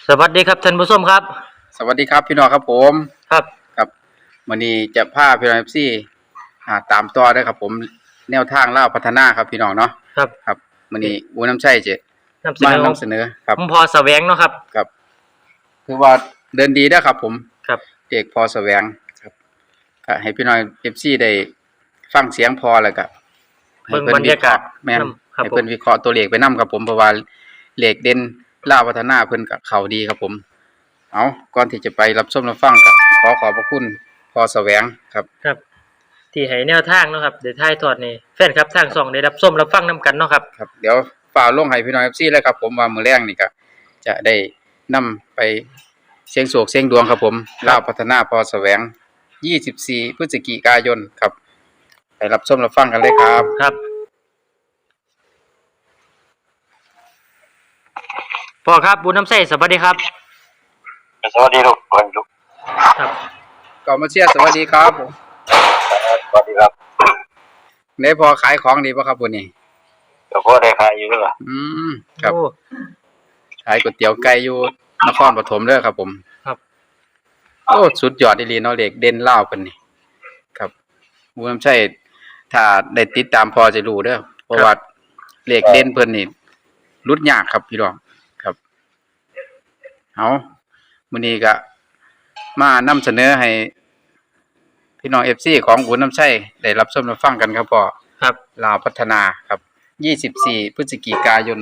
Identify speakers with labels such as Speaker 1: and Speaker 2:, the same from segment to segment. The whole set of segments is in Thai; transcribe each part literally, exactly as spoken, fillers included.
Speaker 1: สวัสดีครับท่านผู้ชมครับ
Speaker 2: สวัสดีครับพี่น้องครับผม
Speaker 1: ครับ
Speaker 2: ครับวันนี้จะพาพี่น้องเอฟซีอ่าตามต่อได้ครับผมแนวทางเล่าพัฒนาครับพี่น้องเนาะ
Speaker 1: ครับ
Speaker 2: ครับวันนี้อูน้ำใช่เจ
Speaker 1: นำเส
Speaker 2: มาน
Speaker 1: อ
Speaker 2: นำเสนอครับ
Speaker 1: ผมพอแสวงเนาะครับ
Speaker 2: ครับคือว่าเดินดีได้ครับผม
Speaker 1: ครับ
Speaker 2: เอกพอแสวงครับก็ให้พี่น้องเอฟซีได้ฟังเสียงพอแล้วก็ให้
Speaker 1: เบิ่ง
Speaker 2: เพิ่น
Speaker 1: บรร
Speaker 2: วิ
Speaker 1: ยา
Speaker 2: เค
Speaker 1: กาศ
Speaker 2: ราะห์แม่น
Speaker 1: นำครับ
Speaker 2: ให้
Speaker 1: ผ
Speaker 2: เพิ่
Speaker 1: ม
Speaker 2: นวิเคราะห์ตัวเลขไปนํครับผมเพราะว่าเลขเด่นเล่าพัฒนาเพิ่นก็เข้าดีครับผมเอาก่อนที่จะไปรับชมรับฟังก็ขอขอบพระคุณพอแสวงครับ
Speaker 1: ครับ ที่ให้แนวทางเนาะครับเดี๋ยวถ่ายทอดนี่แฟนครับทางช่องได้รับชมรับฟังนํกันเนาะครับ
Speaker 2: ครับเดี๋ยวฝ่ากลงให้พี่น้อง เอฟ ซี เลยครับผมว่ามื้อแรงนี่ก็จะได้นำไปเสี่ยงโชคเสี่ยงดวงครับผมลาวพัฒนาพอแสวงยี่สิบสี่พฤศจิกายนครับไปรับชมรับฟังกันเลยครับ
Speaker 1: ครับพ่อครับบุญน้ำใสสวัสดีครับ
Speaker 3: สวัสดีลูกวันลูก
Speaker 1: ครับ
Speaker 2: ก็มาเชียร์สวัสดีครับผม
Speaker 3: สวัสดีครับ
Speaker 2: ได้พอขายของดีป่ะครับวันนี้
Speaker 3: เดี๋ยวพ่อได้ขายอยู่ด้วยเหรอ
Speaker 2: อืมครับ
Speaker 1: โอ้
Speaker 2: ขายก๋วยเตี๋ยวไก่อยู่นครปฐมเด้อครับผม
Speaker 1: ครับ
Speaker 2: โอ้สุดยอดอีหลีเนาะเลขเด่นลาวเพิ่นนี่ครับบ่นำใช่ถ้าได้ติดตามพอจะรู้เด้อเพราะว่าเลขเด่นเพิ่นนี่รุดยากครับพี่น้องครับเอามื้อนี้ก็มานำเสนอให้พี่น้อง เอฟ ซี ของบุญน้ำชัยได้รับชมรับฟังกันครับพ่อ
Speaker 1: ครับ
Speaker 2: ลาวพัฒนาครับยี่สิบสี่พฤศจิกายน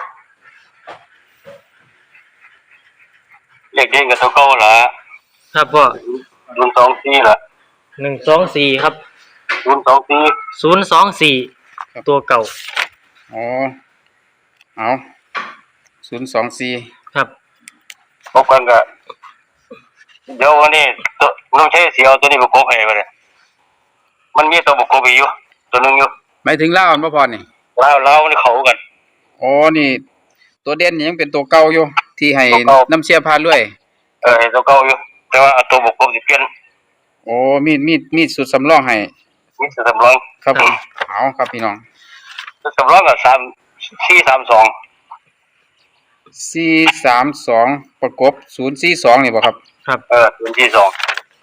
Speaker 3: เลขเด่นกับตัวเก่าละ
Speaker 1: ครับพ่อ
Speaker 3: ศูนย์สองสี่ละ
Speaker 1: หนึ่งสองสี่ครับ
Speaker 3: ศูนย์สองสี่
Speaker 1: ศูนย์สองสี่ตัวเก่า
Speaker 2: อ๋อเอาศูนย์สองสี่
Speaker 1: ครับ
Speaker 3: พบกันกับเดี๋ยววันนี้ตัวน้องใช้เสียวตัวนี้ประกบให้ไปเลยมันมีตัวประกบอยู่ตัวนึงอยู่
Speaker 2: หมายถึงลาวอันบ่พอนี่
Speaker 3: แล้วแล้วนี่เขากัน
Speaker 2: อ๋อนี่ตัวเด่นยังเป็นตัวเก่าอยู่ที่ให้น้ำเชียร์พาด้วย
Speaker 3: เออตัวเก่าอยู่แต่ว่าตัวประกบสิเปลี่ยน
Speaker 2: โอ้มีมีมีสุดสำรองให้
Speaker 3: มีสุดสำรอง
Speaker 2: ครับผมเอาครับพี่น้อง
Speaker 3: สุดสำรองกับสามสี่สามสอง
Speaker 2: สี่สามสองประกบศูนย์สี่สองนี่บ่ครับ
Speaker 1: ครับ
Speaker 3: เออศูนย์สี่สอง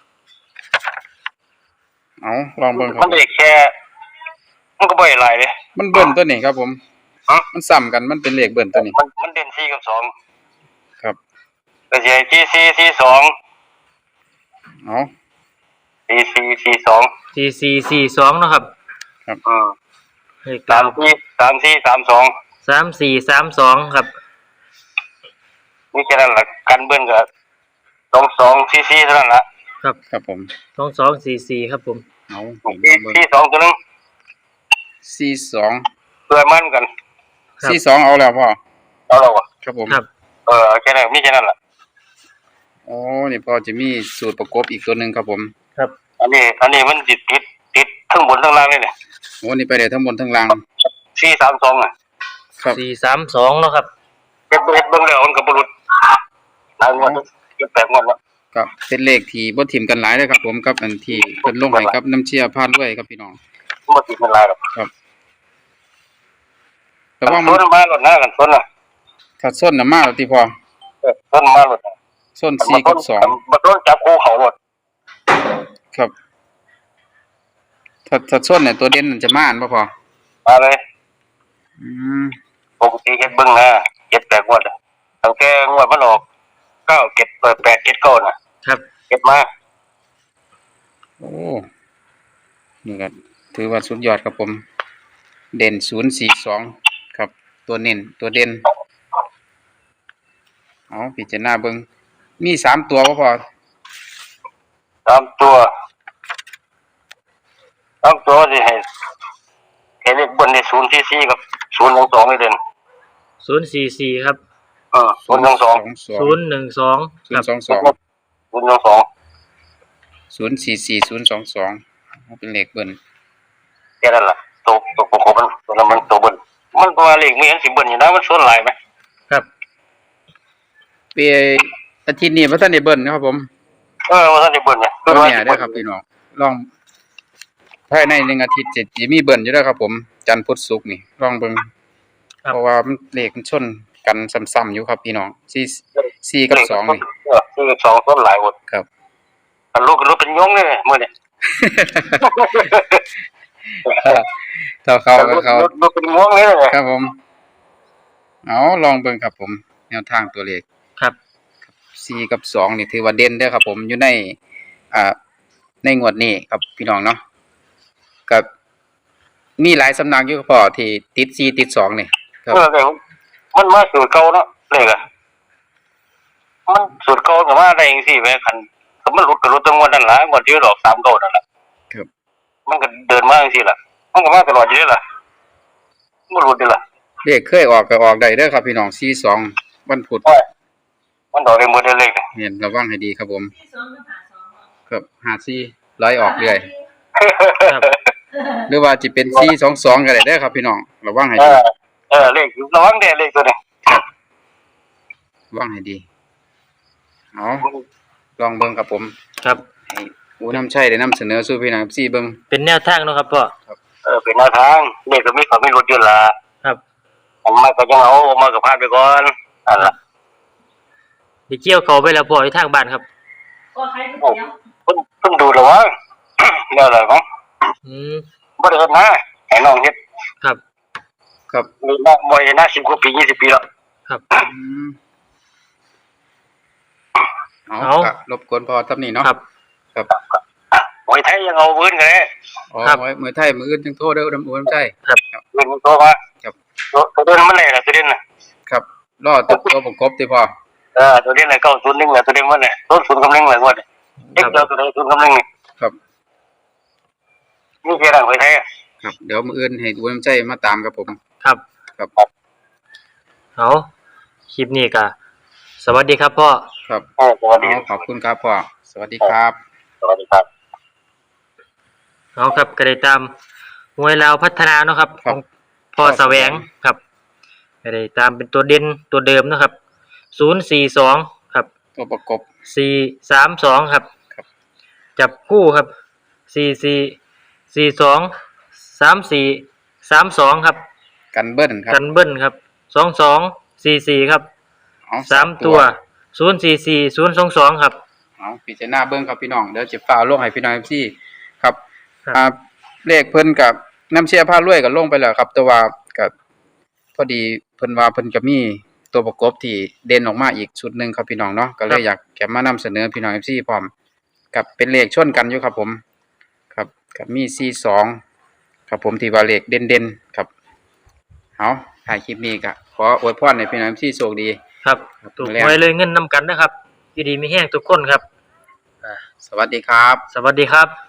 Speaker 2: เอาลองเบิ่งครับ
Speaker 3: มันเด็กแค่มันก็บ่อยหลายเลย
Speaker 2: มันเบิ่นตัวนี้ครับผมมันซ้ำกันมันเป็นเลขเบิ่นตัวนี้
Speaker 3: มันมันเด่นสี่กับสอง
Speaker 2: ครับ
Speaker 3: ก็สิให้ที่สี่สี่สอง
Speaker 2: เอา
Speaker 3: สี่สี่สี่สอง
Speaker 1: สี่สี่สี่สองเนาะครับ
Speaker 2: ครับ
Speaker 3: อืม
Speaker 1: เลข
Speaker 3: สามสี่สามสี่สามสอง
Speaker 1: สามสี่สามสองครับ
Speaker 3: นี่แค่นั้นแหละกันเบิ้ลกับสองสองสี่สี่เท่านั้นแหละ
Speaker 1: ครับ
Speaker 2: ครับผม
Speaker 1: สองสองสี่สี่ครับผม
Speaker 2: เอา
Speaker 3: สี่สี่สองตัวนึง
Speaker 2: สี่สอง
Speaker 3: เพื่อมั่นกัน
Speaker 2: สี่สองเอาแล้วพ่อ
Speaker 3: เอาแล้วอ่ะ
Speaker 2: ครับผม
Speaker 1: ครับ
Speaker 3: เออแค่นั้นมีแค่นั้นแหละ
Speaker 2: อ๋อนี่พอจะมีสูตรประกบอีกตัวหนึ่งครับผม
Speaker 1: ครับ
Speaker 3: อันนี้อันนี้มันติดติดติดทั้งบนทั้งล่างเลยเนี่ย
Speaker 2: โอ้นี่ไปได้ทั้งบนทั้งล่าง
Speaker 3: สี่สามสองอ่ะ
Speaker 2: ครับ
Speaker 1: สี่สามสองเนาะครับ
Speaker 3: เก็บเก็บเบิ้งแล้วมันกับบรุษหลายงวดเก็บแปดงวดแล้ว
Speaker 2: ก็เป็นเลขที่บ่ถิ่มกันหลายเลยครับผมกับอันที่เพิ่นลงให้กับน้ำเชียร์พาดด้วยครับพี่น้อง
Speaker 3: บ่ติดกันหลายหรอก
Speaker 2: ครับแต่ว่า
Speaker 3: มันมาหลดหน้ากันส้นอ่ะ
Speaker 2: ถ้าส้นน่ะมาแล้วติพอ
Speaker 3: เออส้นมาหลด
Speaker 2: ส้นสี่กับสอง
Speaker 3: บ่ต้นจับคู่เขาหลด
Speaker 2: ครับถ้าถ้าส้นเนี่ยตัวเด่นมันจะมาอันบ่พอ
Speaker 3: มาเลย
Speaker 2: อืม
Speaker 3: ปกติเก็บเบิ้งนะเก็บแปดงวดตั้งแต่งวดมันออกเก้าเก็บเปิดแปดเก็บเก้าน่ะ
Speaker 1: ครับ
Speaker 3: เก็บมา
Speaker 2: โอ้นี่ก็ถือว่าสุดยอดครับผมเด่นศูนย์สี่สองครับตัวเน้นตัวเด่นเอาพิจารณาเบิ่งมีสามตัวบ่พอ
Speaker 3: สามตัวสามตัวสิให้เห็นเลขบนในศูนย์สี่สี่กับศูนย์หนึ่งสองนี่เด่น
Speaker 1: ศูนย์สี่สี่ครับ
Speaker 3: เออศูนย์หนึ่งสอง
Speaker 1: ศูนย์หนึ่งสอง
Speaker 2: ศูนย์สองสอง
Speaker 3: ศูนย์หนึ่งสอง
Speaker 2: ศูนย์สี่สี่ศูนย์สองสองเป็นเลขเบิ้ล
Speaker 3: แค่นั้นแหละตัวตัวประกบมันตัวนั้นมันตัวเบิ้ลมันตัวเลขมีอันสิเบิ้ลอยู่นะมันส่วนหลายไหม
Speaker 1: ครับ
Speaker 2: เปียอาทิตย์นี้พระท่านได้เบิ้ลนะครับผม
Speaker 3: เออว่าท่านได้เบิ้ลเนี่ย
Speaker 2: ตัวเนี่ยได้ครับพี่น้องลองภายในหนึ่งอาทิตย์จะจะมีเบิ้ลอยู่แล้วครับผมจันทร์พุธศุกร์นี่ลองเบิ่งเพราะว่ามันเลขมันชนกันซ้ำๆอยู่ครับพี่น้องสี่สี่กับสองนี่
Speaker 3: เออสี่กับสองต้นหลายหมด
Speaker 2: ครับ
Speaker 3: อันลูกลูกเป็นยงเลยมื้อนี้
Speaker 2: เท่าเขาก็เขา
Speaker 3: ลูกเป็นงวงเลย
Speaker 2: ครับผมเอาลองเบิ่งครับผมแนวทางตัวเลข
Speaker 1: ครับ
Speaker 2: สี่กับสองนี่ถือว่าเด่นเด้อครับผมอยู่ในอ่าในงวดนี้ครับพี่น้องเนาะกับมีหลายสำนักอยู่พอที่ติดสี่ติดสองนี่ครับ
Speaker 3: เออแต่มันมาสูตรเก่าเนาะเลขอะมันสูตรเก่าก็มาได้จังซี่แหมคันก็มันหลุดก็หลุดตั้งงวดนั่นล่ะงวดที่ดอกสามเก้านั่นล่ะ
Speaker 2: ครับ
Speaker 3: มันก็เดินมาจังซี่ล่ะมันก็มาตลอดอยู่เด้ล่ะบ่หลุดเด้ล่ะ
Speaker 2: เลขเคยออกก็ออกได้เด้อครับพี่น้องสี่สองวันพุธ
Speaker 3: มันดอกได้หมดเลข
Speaker 2: เห็นระวังให้ดีครับผมครับห้าสี่ร้อยออกเรื่อย
Speaker 1: ครับ
Speaker 2: หรือว่าจะเป็นสี่สองสองก็ได้เด้อครับพี่น้องระวังให้
Speaker 3: เอ
Speaker 2: ดี
Speaker 3: อเออเลขระวังเด้เลขตัวนี้
Speaker 2: ระวังให้ดีเอาลองเบิ่งครับผม
Speaker 1: ครับ
Speaker 2: ให้อูน้ำชัยได้นำเสนอสู่พี่น้องสี่เบิ่ง
Speaker 1: เป็นแนวทางเนาะครับพ่อ
Speaker 3: เออเป็นแนวทางเลขก็มีความมีหลุดอยู่ล่ะ
Speaker 1: ครับ
Speaker 3: ผมมาก็ยังเอามาก็พาดไปก่อนนั่นล่ะ
Speaker 1: ได้เกี่ยวเขาไปแล้วพ่ออยู่ทางบ้านครับ
Speaker 4: ก็ใครก๋วยเตี๋ยว
Speaker 3: เพิ่นเพิ่นดูแล้วว่า แล้วอะไรมั้ง
Speaker 1: อืม
Speaker 3: บ่ได้เฮ็ดนะให้น้องเฮ็ด
Speaker 1: ครับ
Speaker 2: ครับ
Speaker 3: มีน้องบ่เฮ็ดนะสิบกว่าปียี่สิบปีแล้ว
Speaker 1: ครับ
Speaker 2: อืมเอา
Speaker 1: เอา
Speaker 2: ก็รบกวนพอทำนี่เนาะ
Speaker 1: ครับ
Speaker 2: ครับ
Speaker 3: มวยไทยยังเอาพื้นกันเลย
Speaker 2: อ๋อ
Speaker 1: ครับ
Speaker 2: ไว้มือไทยมืออื่นจึงโทษเด้ออูน้ำชัย
Speaker 3: พื้นมันโตมา
Speaker 2: ครับ
Speaker 3: ตัวตัวเด่นมันเลยล่ะตัวเด่นน่ะ
Speaker 2: ครับรอตัวตัวประกบติพอ
Speaker 3: เออตัวเด่นน่ะเก้าศูนย์หนึ่งน่ะตัวเด่นมันน่ะต้นศูนย์กำลังเลยงวดนี้เด็กเจ้าตัวใดศูนย์กำลังนี่
Speaker 2: ครับ
Speaker 3: นี่คือร่างมวยไทยอะ
Speaker 2: ครับเดี๋ยวมืออื่นให้อูน้ำชัยมาตามครับผม
Speaker 1: ครับ
Speaker 2: ครับ
Speaker 1: เอาคลิปนี้ก็สวัสดีครับพ่อ
Speaker 2: ครับ
Speaker 3: เออสวัสดี
Speaker 2: เอาขอบคุณครับพ่อสวัสดีครับ
Speaker 3: สวัสดีครับ
Speaker 1: เอาครับก็ได้ตามมวยลาวพัฒนาเนาะครับ
Speaker 2: ค
Speaker 1: ข
Speaker 2: รั
Speaker 1: อบ งพ่อแสวงครับก็ได้ตามเป็นตัวเด่นตัวเดิมเนาะครับศูนย์สี่สองครับ
Speaker 2: ตัวประกบ
Speaker 1: สี่สามสองครับ
Speaker 2: ครับ
Speaker 1: จับคู่ครับสี่สี่สี่สองสามสี่สามสองครับ
Speaker 2: กันเบิ้ลครับ
Speaker 1: กันเบิ้ลครับสองสองสี่สี่ครับ
Speaker 2: เอา
Speaker 1: สามตัวศูนย์สี่สี่ศูนย์สองสองครับ
Speaker 2: เอาพิจารณาเบิ้งครับพี่น้องเดี๋ยวจะฝ่าลงให้พี่น้องพี่ครับ
Speaker 1: ครับ
Speaker 2: อ่าเลขเพิ่นกับน้ำเชียร์ผ้ารวยก็ลงไปแล้วครับ แต่ว่ากับพอดีเพิ่นว่าเพิ่นก็มีตัวประกบที่เด่นออกมาอีกชุดหนึงครับพี่น้องเนาะก็เลยอยากแกะมานำเสนอพี่น้อง เอฟ ซี พร้อมกับเป็นเลขชนกันอยู่ครับผม ครับกับมีสี่สองครับผมที่ว่าเลขเด่นๆครับเอาถ่ายคลิปนี้ก็ขออวยพรให้พี่น้อง เอฟ ซี โชคดี
Speaker 1: ครับ
Speaker 2: ครับ
Speaker 1: ถูก
Speaker 2: แรง
Speaker 1: ไว้เลยเงินนำกันนะครับอยู่ดีมีแห้งทุกคนครับอ่า
Speaker 2: สวัสดีครับ
Speaker 1: สวัสดีครับ